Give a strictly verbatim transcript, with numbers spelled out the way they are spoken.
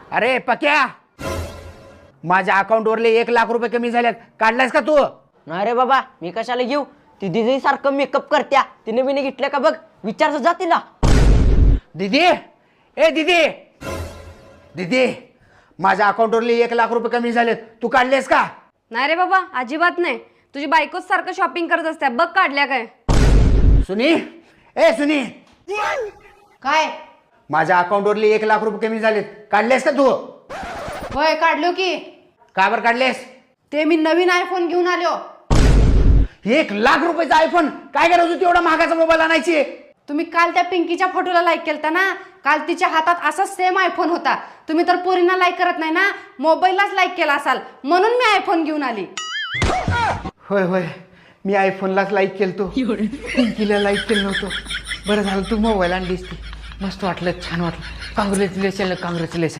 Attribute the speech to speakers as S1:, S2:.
S1: अरे पक्या, माझ्या अकाउंटवरले एक लाख रुपये कमी झाल्यात, काढलायस का तू?
S2: नाही रे बाबा, मी कशाला घेऊ? ती दिदी सारखं मेकअप करत्या, तिने बिने घेतलं का बघ, विचारच जा तिला.
S1: दीदी, ए दीदी, दीदी, माझ्या अकाउंटवरले एक लाख रुपये कमी झालेत, तू काढलेस का?
S3: नाही रे बाबा, अजिबात नाही. तुझी बायकोच सारखं शॉपिंग करत असते, बघ काढल्या काय.
S1: सुनी, ए सुनी,
S4: काय?
S1: माझ्या अकाउंटवरले एक लाख रुपये कमी झालेत, काढलेस का तू?
S4: होय काढलो की.
S1: का बरं काढलेस?
S4: ते मी नवीन आयफोन घेऊन आलो.
S1: एक लाख रुपयाचा आयफोन, काय गरज होती एवढा महागाचा मोबाईल आणायची?
S4: तुम्ही काल त्या पिंकीच्या फोटोला लाईक केलता ना, काल तिच्या हातात असा सेम आयफोन होता. तुम्ही तर पोरींना लाईक करत नाही ना, मोबाईललाच लाईक केला असाल, म्हणून मी आयफोन घेऊन आली.
S1: होय होय, मी आयफोनलाच लाईक केलतो, पिंकीला लाईक केलं नव्हतं. बरं झालं तू मोबाईल आणलीस ती, मस्त वाटलं, छान वाटलं. Congratulation, congratulation.